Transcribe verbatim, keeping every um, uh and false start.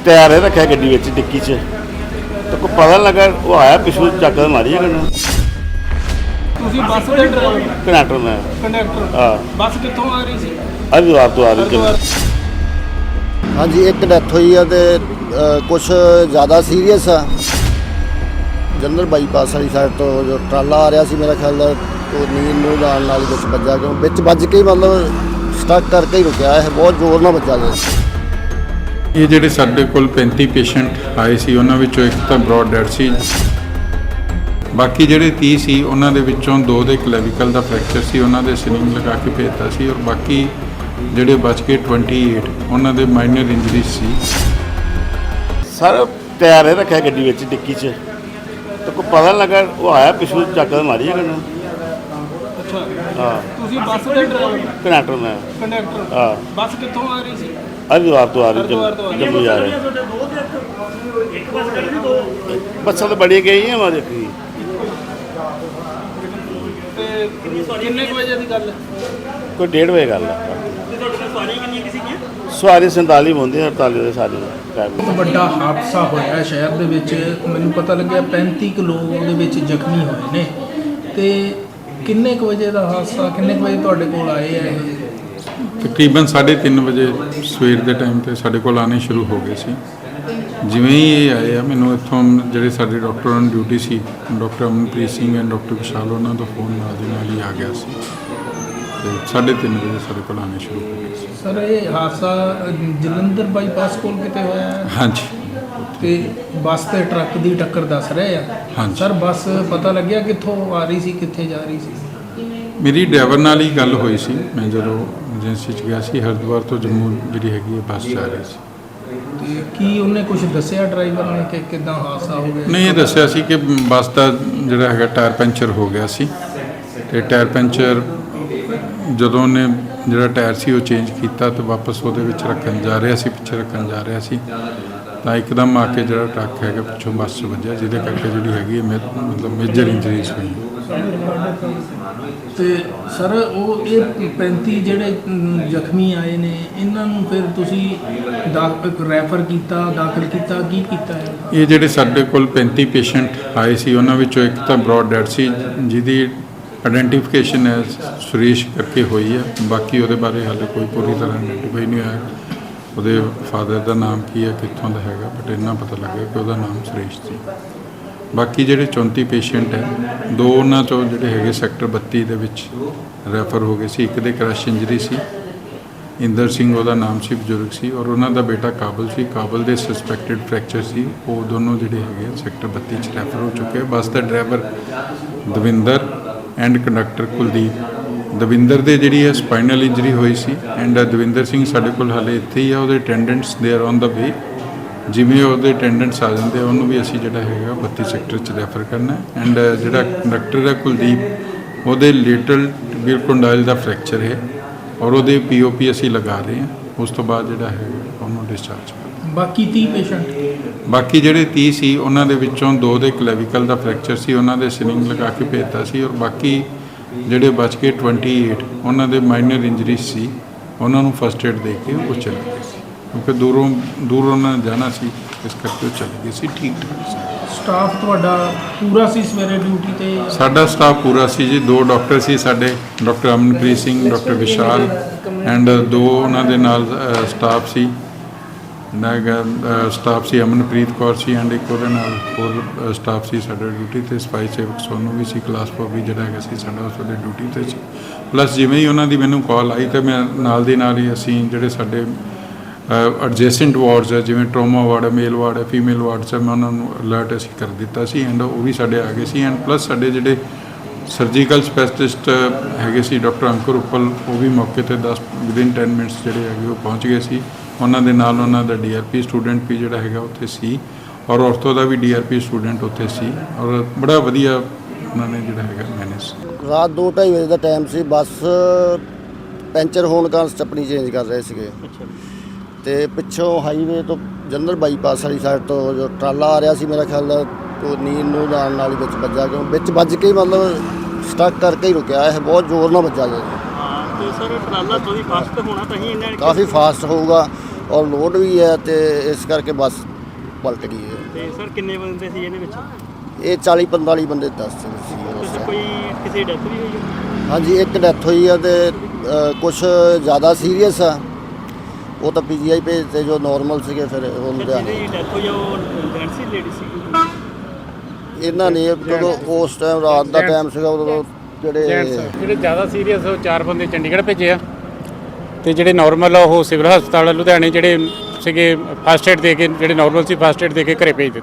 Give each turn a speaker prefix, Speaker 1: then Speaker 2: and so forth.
Speaker 1: Tyre रखा गड्डी विच dicky च तो कोई पता नहीं लगा वो आया पिछू चक मारी है
Speaker 2: ਤੁਸੀਂ ਬੱਸ ਦੇ ਡਰਾਈਵਰ
Speaker 1: कंडक्टर में
Speaker 2: ਕੰਡਕਟਰ
Speaker 1: हाँ
Speaker 2: ਬੱਸ ਕਿੱਥੋਂ ਆ ਰਹੀ ਸੀ
Speaker 1: हरिद्वार तो आ रही
Speaker 2: ਹਰਿਦੁਆਰ
Speaker 3: ਹਾਂਜੀ ਇੱਕ ਡੈਥ ਹੋਈ ਆ ਤੇ ਕੁਝ ਜ਼ਿਆਦਾ ਸੀਰੀਅਸ ਆ ਜਨਰਲ ਬਾਈਪਾਸ ਵਾਲੀ ਸਾਈਡ ਤੋਂ ਜੋ ਟਰਾਲਾ ਆ ਰਿਹਾ ਸੀ ਮੇਰਾ ਖਿਆਲ ਦਾ ਉਹ ਨੀਂਦ ਨੂੰ ਲਾਣ ਨਾਲ ਹੀ ਵਿੱਚ ਵੱਜਾ ਕਿਉਂ ਵਿੱਚ ਵੱਜ ਕੇ ਹੀ ਮਤਲਬ ਸਟਕ ਕਰਕੇ ਹੀ ਰੁਕਿਆ ਇਹ ਬਹੁਤ ਜ਼ੋਰ ਨਾਲ ਵੱਜਾ ਗਿਆ
Speaker 4: ਇਹ ਜਿਹੜੇ ਸਾਡੇ ਕੋਲ ਪੈਂਤੀ ਪੇਸ਼ੈਂਟ ਆਏ ਸੀ ਉਹਨਾਂ ਵਿੱਚੋਂ ਇੱਕ ਤਾਂ ਬ੍ਰੌਡ ਡੈਡ ਸੀ, ਬਾਕੀ ਜਿਹੜੇ ਤੀਹ ਸੀ ਉਹਨਾਂ ਦੇ ਵਿੱਚੋਂ ਦੋ ਦੇ ਕਲੈਵੀਕਲ ਦਾ ਫ੍ਰੈਕਚਰ ਸੀ, ਉਹਨਾਂ ਦੇ ਸਲਿੰਗ ਲਗਾ ਕੇ ਭੇਜਤਾ ਸੀ ਔਰ ਬਾਕੀ ਜਿਹੜੇ ਬਚ ਕੇ ਅਠਾਈ ਉਹਨਾਂ ਦੇ ਮਾਈਨਰ ਇੰਜਰੀਜ਼ ਸੀ।
Speaker 1: सर टायर रखा गड्डी विच डिक्की च तो कोई पता नहीं लगा वो आया पिछू चक मारी है
Speaker 2: ਅੱਛਾ
Speaker 1: हाँ
Speaker 2: ਤੁਸੀਂ ਬੱਸ ਦੇ ਡਰਾਈਵਰ
Speaker 1: कंडक्टर में
Speaker 2: ਕੰਡਕਟਰ
Speaker 1: हाँ
Speaker 2: ਬੱਸ ਕਿੱਥੋਂ ਆ ਰਹੀ ਸੀ
Speaker 1: हरिद्वार तो आ रही
Speaker 2: हरिद्वार तो आ रही।
Speaker 1: जम्मू जा रहे बच्चा तो बड़ी गई है हमारे की
Speaker 2: ਤੇ ਕਿੰਨੇ ਕੁ ਵਜੇ ਦੀ ਗੱਲ ਹੈ
Speaker 1: कोई डेढ़ बजे गल सवारी संताली होंगे अड़ताली के सारे
Speaker 5: ਬਹੁਤ ਵੱਡਾ ਹਾਦਸਾ ਹੋਇਆ ਸ਼ਹਿਰ ਦੇ ਵਿੱਚ। ਮੈਨੂੰ ਪਤਾ ਲੱਗਿਆ ਪੈਂਤੀ ਕੁ ਲੋਕ ਉਹਦੇ ਵਿੱਚ ਜ਼ਖਮੀ ਹੋਏ ਨੇ ਤੇ ਕਿੰਨੇ ਕੁ ਵਜੇ ਦਾ ਹਾਦਸਾ, ਕਿੰਨੇ ਕੁ ਵਜੇ ਤੁਹਾਡੇ ਕੋਲ ਆਏ ਆ ਇਹ?
Speaker 4: ਤਕਰੀਬਨ ਸਾਢੇ ਤਿੰਨ ਵਜੇ ਸਵੇਰ ਦੇ ਟਾਈਮ ਤੇ ਸਾਡੇ ਕੋਲ ਆਉਣੇ ਸ਼ੁਰੂ ਹੋ ਗਏ ਸੀ। ਜਿਵੇਂ ਹੀ ਇਹ ਆਏ ਆ ਮੈਨੂੰ ਇੱਥੋਂ ਜਿਹੜੇ ਸਾਡੇ ਡਾਕਟਰ ਔਨ ਡਿਊਟੀ ਸੀ doctor Amanpreet Singh and doctor Vishal ਉਹਨਾਂ ਦਾ ਫੋਨ ਨਾਲ ਦੀ ਨਾਲ ਹੀ ਆ ਗਿਆ ਸੀ ਤੇ ਸਾਢੇ ਤਿੰਨ ਵਜੇ ਸਾਡੇ ਕੋਲ ਆਉਣੇ ਸ਼ੁਰੂ ਹੋ ਗਏ ਸੀ।
Speaker 5: ਸਰ ਇਹ ਹਾਦਸਾ ਅ, ਜਲੰਧਰ ਬਾਈਪਾਸ ਕੋਲ ਕਿਤੇ ਹੋਇਆ ਹੈ
Speaker 4: ਹਾਂਜੀ
Speaker 5: ਤੇ ਬੱਸ ਤੇ ਟਰੱਕ ਦੀ ਟੱਕਰ ਦੱਸ ਰਹੇ ਆ।
Speaker 4: ਹਾਂਜੀ।
Speaker 5: ਸਰ ਬੱਸ ਪਤਾ ਲੱਗਿਆ ਕਿੱਥੋਂ ਆ ਰਹੀ ਸੀ, ਕਿੱਥੇ ਜਾ ਰਹੀ ਸੀ?
Speaker 4: ਮੇਰੀ ਡਰਾਈਵਰ ਨਾਲ ਹੀ ਗੱਲ ਹੋਈ ਸੀ। ਮੈਂ ਜਦੋਂ ਏਜੰਸੀ 'ਚ ਗਿਆ ਸੀ ਹਰਿਦੁਆਰ ਤੋਂ ਜੰਮੂ ਜਿਹੜੀ ਹੈਗੀ ਹੈ ਬੱਸ ਜਾ ਰਹੀ ਸੀ।
Speaker 5: ਤੇ ਕੀ ਉਹਨੇ ਕੁਝ ਦੱਸਿਆ ਡਰਾਈਵਰ ਨੇ ਕਿ ਕਿੱਦਾਂ ਹਾਦਸਾ ਹੋ ਗਿਆ?
Speaker 4: ਨਹੀਂ, ਇਹ ਦੱਸਿਆ ਸੀ ਕਿ ਬੱਸ ਦਾ ਜਿਹੜਾ ਹੈਗਾ ਟਾਇਰ ਪੈਂਚਰ ਹੋ ਗਿਆ ਸੀ ਤੇ ਟਾਇਰ ਪੈਂਚਰ ਜਦੋਂ ਉਹਨੇ ਜਿਹੜਾ ਟਾਇਰ ਸੀ ਉਹ ਚੇਂਜ ਕੀਤਾ ਤੇ ਵਾਪਸ ਉਹਦੇ ਵਿੱਚ ਰੱਖਣ ਜਾ ਰਿਹਾ ਸੀ, ਪਿੱਛੇ ਰੱਖਣ ਜਾ ਰਿਹਾ ਸੀ ਤਾਂ ਇੱਕਦਮ ਆ ਕੇ ਜਿਹੜਾ ਟਰੱਕ ਹੈਗਾ ਪਿੱਛੋਂ ਬੱਸ 'ਚ ਵੱਜਿਆ ਜਿਹਦੇ ਕਰਕੇ ਜਿਹੜੀ ਹੈਗੀ ਹੈ ਮੇ- ਮਤਲਬ ਮੇਜਰ ਇੰਜਰੀਜ਼ ਹੋਈ।
Speaker 5: ਤੇ ਸਰ ਉਹ ਇਹ ਪੈਂਤੀ ਜਿਹੜੇ ਅਮ, ਜ਼ਖਮੀ ਆਏ ਨੇ ਇਹਨਾਂ ਨੂੰ ਫਿਰ ਤੁਸੀਂ ਦਾਖਲ ਰੈਫਰ ਕੀਤਾ, ਦਾਖਲ ਕੀਤਾ, ਕੀ ਕੀਤਾ ਹੈ?
Speaker 4: ਇਹ ਜਿਹੜੇ ਸਾਡੇ ਕੋਲ ਪੈਂਤੀ ਪੇਸ਼ੈਂਟ ਆਏ ਸੀ ਉਹਨਾਂ ਵਿੱਚੋਂ ਇੱਕ ਤਾਂ ਬ੍ਰੌਡ ਡੈਡ ਸੀ ਜਿਹਦੀ ਆਇਡੈਂਟੀਫਿਕੇਸ਼ਨ ਹੈ ਸੁਰੇਸ਼ ਕਰਕੇ ਹੋਈ ਹੈ, ਬਾਕੀ ਉਹਦੇ ਬਾਰੇ ਹਾਲੇ ਕੋਈ ਪੂਰੀ ਤਰ੍ਹਾਂ ਆਇਡੈਂਟੀਫਾਈ ਨਹੀਂ ਹੋਇਆ ਉਹਦੇ ਫਾਦਰ ਦਾ ਨਾਮ ਕੀ ਹੈ, ਕਿੱਥੋਂ ਦਾ ਹੈਗਾ, ਬਟ ਇੰਨਾ ਪਤਾ ਲੱਗਿਆ ਕਿ ਉਹਦਾ ਨਾਮ ਸੁਰੇਸ਼ ਸੀ। ਬਾਕੀ ਜਿਹੜੇ ਚੌਂਤੀ ਪੇਸ਼ੈਂਟ ਹੈ ਦੋ ਉਹਨਾਂ ਚੋਂ ਜਿਹੜੇ ਹੈਗੇ ਸੈਕਟਰ ਬੱਤੀ ਦੇ ਵਿੱਚ ਰੈਫਰ ਹੋ ਗਏ ਸੀ। ਇੱਕ ਦੇ ਕ੍ਰਸ਼ ਇੰਜਰੀ ਸੀ, ਇੰਦਰ ਸਿੰਘ ਉਹਦਾ ਨਾਮ ਸੀ, ਬਜ਼ੁਰਗ ਸੀ ਔਰ ਉਹਨਾਂ ਦਾ ਬੇਟਾ ਕਾਬਲ ਸੀ। ਕਾਬਲ ਦੇ ਸਸਪੈਕਟਡ ਫ੍ਰੈਕਚਰ ਸੀ, ਉਹ ਦੋਨੋਂ ਜਿਹੜੇ ਹੈਗੇ ਸੈਕਟਰ ਬੱਤੀ 'ਚ ਰੈਫਰ ਹੋ ਚੁੱਕੇ। ਬੱਸ ਦਾ driver Davinder and conductor Kuldeep. Davinder ਦੇ ਜਿਹੜੀ ਹੈ ਸਪਾਈਨਲ ਇੰਜਰੀ ਹੋਈ ਸੀ ਐਂਡ ਦਵਿੰਦਰ ਸਿੰਘ ਸਾਡੇ ਕੋਲ ਹਾਲੇ ਇੱਥੇ ਹੀ ਆ। ਉਹਦੇ attendants they are on the ਵੇ। ਜਿਵੇਂ ਉਹਦੇ ਅਟੈਂਡੈਂਟਸ ਆ ਜਾਂਦੇ ਆ ਉਹਨੂੰ ਵੀ ਅਸੀਂ ਜਿਹੜਾ ਹੈਗਾ ਬੱਤੀ ਸੈਕਟਰ 'ਚ ਰੈਫਰ ਕਰਨਾ ਐਂਡ ਜਿਹੜਾ ਕੰਡਕਟਰ ਹੈ ਕੁਲਦੀਪ ਉਹਦੇ ਲੇਟਰਲ ਟਿਬੀਅਲ ਕੰਡਾਈਲ ਦਾ ਫ੍ਰੈਕਚਰ ਹੈ ਔਰ ਉਹਦੇ ਪੀਓਪੀ ਅਸੀਂ ਲਗਾ ਰਹੇ ਹਾਂ। ਉਸ ਤੋਂ ਬਾਅਦ ਜਿਹੜਾ ਹੈਗਾ ਉਹਨੂੰ ਡਿਸਚਾਰਜ ਕਰ।
Speaker 5: ਬਾਕੀ ਤੀਹ ਪੇਸ਼ੈਂਟ
Speaker 4: ਬਾਕੀ ਜਿਹੜੇ ਤੀਹ ਸੀ ਉਹਨਾਂ ਦੇ ਵਿੱਚੋਂ ਦੋ ਦੇ ਕਲੈਵੀਕਲ ਦਾ ਫ੍ਰੈਕਚਰ ਸੀ, ਉਹਨਾਂ ਦੇ ਸਲਿੰਗ ਲਗਾ ਕੇ ਭੇਜਤਾ ਸੀ ਔਰ ਬਾਕੀ ਜਿਹੜੇ ਬਚ ਕੇ ਅਠਾਈ ਉਹਨਾਂ ਦੇ ਮਾਈਨਰ ਇੰਜਰੀਜ਼ ਸੀ, ਉਹਨਾਂ ਨੂੰ ਫਸਟ ਏਡ ਦੇ ਕੇ ਉਹ ਚਲੇ ਗਏ ਸੀ ਕਿਉਂਕਿ ਦੂਰੋਂ ਦੂਰ ਉਹਨਾਂ ਨੇ ਜਾਣਾ ਸੀ, ਇਸ ਕਰਕੇ ਉਹ ਚਲੇ ਗਏ ਸੀ। ਠੀਕ ਠਾਕ ਸੀ।
Speaker 5: ਸਟਾਫ ਤੁਹਾਡਾ ਪੂਰਾ ਸੀ ਸਵੇਰੇ ਡਿਊਟੀ ਤੇ?
Speaker 4: ਸਾਡਾ ਸਟਾਫ ਪੂਰਾ ਸੀ ਜੀ। ਦੋ ਡਾਕਟਰ ਸੀ ਸਾਡੇ, doctor Amanpreet Singh, doctor Vishal and ਦੋ ਉਹਨਾਂ ਦੇ ਨਾਲ ਸਟਾਫ ਸੀ ਸਟਾਫ ਸੀ ਅਮਨਪ੍ਰੀਤ ਕੌਰ ਸੀ ਐਂਡ ਇੱਕ ਉਹਦੇ ਨਾਲ ਹੋਰ ਸਟਾਫ ਸੀ ਸਾਡਾ ਡਿਊਟੀ ਤੇ। ਸਫਾਈ ਸੇਵਕ ਸੋਨੂੰ ਵੀ ਸੀ, ਕਲਾਸ ਫੋਰ ਵੀ ਜਿਹੜਾ ਹੈਗਾ ਸੀ ਸਾਡਾ ਉਸ ਵੇਲੇ ਡਿਊਟੀ ਤੇ ਸੀ। ਪਲੱਸ ਜਿਵੇਂ ਹੀ ਉਹਨਾਂ ਦੀ ਮੈਨੂੰ ਕਾਲ ਆਈ ਤਾਂ ਮੈਂ ਨਾਲ ਦੀ ਨਾਲ ਹੀ ਅਸੀਂ ਜਿਹੜੇ ਸਾਡੇ ਐਡਜੈਸੈਂਟ ਵਾਰਡਸ ਹੈ ਜਿਵੇਂ ਟਰੋਮਾ ਵਾਰਡ ਹੈ, ਮੇਲ ਵਾਰਡ ਹੈ, ਫੀਮੇਲ ਵਾਰਡਸ ਹੈ, ਮੈਂ ਉਹਨਾਂ ਨੂੰ ਅਲਰਟ ਅਸੀਂ ਕਰ ਦਿੱਤਾ ਸੀ ਐਂਡ ਉਹ ਵੀ ਸਾਡੇ ਆ ਗਏ ਸੀ ਐਂਡ ਪਲੱਸ ਸਾਡੇ ਜਿਹੜੇ ਸਰਜੀਕਲ ਸਪੈਸ਼ਲਿਸਟ ਹੈਗੇ ਸੀ ਡਾਕਟਰ ਅੰਕੁਰ ਉੱਪਲ, ਉਹ ਵੀ ਮੌਕੇ ਤੇ ਦਸ ਵਿਦਿਨ ਟੈਨ ਮਿੰਟਸ ਜਿਹੜੇ ਹੈਗੇ ਉਹ ਪਹੁੰਚ ਗਏ ਸੀ। ਉਹਨਾਂ ਦੇ ਨਾਲ ਉਹਨਾਂ ਦਾ ਡੀ ਆਰ ਪੀ ਸਟੂਡੈਂਟ ਵੀ ਜਿਹੜਾ ਹੈਗਾ ਉੱਥੇ ਸੀ ਔਰ ਔਰਥੋ ਦਾ ਵੀ ਡੀ ਆਰ ਪੀ ਸਟੂਡੈਂਟ ਉੱਥੇ ਸੀ ਔਰ ਬੜਾ ਵਧੀਆ ਉਹਨਾਂ ਨੇ ਜਿਹੜਾ ਹੈਗਾ ਮੈਨੇਜ।
Speaker 3: ਰਾਤ ਦੋ ਢਾਈ ਵਜੇ ਦਾ ਟਾਈਮ ਸੀ। ਬੱਸ ਪੈਂਚਰ ਹੋਣ ਕਾਰਨ ਸਟੱਪਣੀ ਚੇਂਜ ਕਰ ਰਹੇ ਸੀਗੇ ਤੇ ਪਿੱਛੋਂ ਹਾਈਵੇ ਤੋਂ ਜਨਰਲ ਬਾਈਪਾਸ ਵਾਲੀ ਸਾਈਡ ਤੋਂ ਜੋ ਟਰਾਲਾ ਆ ਰਿਹਾ ਸੀ ਮੇਰਾ ਖਿਆਲ ਦਾ ਉਹ ਨੀਂਦ ਨੂੰ ਲਾਣ ਨਾਲ ਹੀ ਵਿੱਚ ਵੱਜਾ ਕਿਉਂ ਵਿੱਚ ਵੱਜ ਕੇ ਹੀ ਮਤਲਬ ਸਟਕ ਕਰਕੇ ਹੀ ਰੁਕਿਆ ਇਹ ਬਹੁਤ ਜ਼ੋਰ ਨਾਲ ਵੱਜਾ ਗਿਆ।
Speaker 6: ਤੇ ਸਰ ਟਰਾਲਾ ਥੋੜੀ ਫਾਸਟ ਹੋਣਾ ਤਾਂ ਹੀ ਇਹਨਾਂ
Speaker 3: ਕਾਫੀ ਫਾਸਟ ਹੋਊਗਾ ਔਰ ਲੋਡ ਵੀ ਹੈ ਤੇ ਇਸ ਕਰਕੇ ਬੱਸ ਪਲਟ ਗਈ ਹੈ।
Speaker 6: ਤੇ ਸਰ ਕਿੰਨੇ ਬੰਦੇ ਸੀ ਇਹਦੇ ਵਿੱਚ?
Speaker 3: ਇਹ ਚਾਲੀ ਪੰਤਾਲੀ ਬੰਦੇ ਦੱਸ ਸੀ ਉਸ
Speaker 6: ਕੁਛ
Speaker 3: time।
Speaker 6: ਕੋਈ ਕਿਸੇ ਡੈਥ ਵੀ ਹੋਈ ਹੈ?
Speaker 3: ਹਾਂਜੀ ਇੱਕ ਡੈਥ ਹੋਈ ਆ ਤੇ ਕੁਝ ਜ਼ਿਆਦਾ ਸੀਰੀਅਸ ਆ, ਉਹ ਤਾਂ ਪੀਜੀਆਈ ਭੇਜਤੇ, ਜੋ ਨਾਰਮਲ ਸੀਗੇ ਫਿਰ ਉਹ
Speaker 6: ਸਰ
Speaker 3: ਲੁਧਿਆਣੇ।
Speaker 6: ਜਿਹਦੀ ਡੈਥ ਹੋਈ ਆ ਉਹ ਜੈਂਟਸ ਸੀ ਲੇਡੀ ਸੀ?
Speaker 3: ਇਹਨਾਂ ਨੇ ਜਦੋਂ ਉਸ ਟਾਈਮ ਰਾਤ ਦਾ ਟਾਈਮ ਸੀਗਾ ਉਦੋਂ ਜਿਹੜੇ
Speaker 7: ਜਿਹੜੇ ਜ਼ਿਆਦਾ ਸੀਰੀਅਸ ਉਹ ਚਾਰ ਬੰਦੇ ਚੰਡੀਗੜ੍ਹ ਭੇਜੇ ਆ ਤੇ ਜਿਹੜੇ ਨਾਰਮਲ ਆ ਉਹ ਸਿਵਲ ਹਸਪਤਾਲ ਲੁਧਿਆਣੇ ਜਿਹੜੇ ਸੀਗੇ ਫਸਟ ਏਡ ਦੇ ਕੇ, ਜਿਹੜੇ ਨਾਰਮਲ ਸੀ ਫਸਟ ਏਡ ਦੇ ਕੇ ਘਰੇ ਭੇਜ ਦਿੱਤੇ।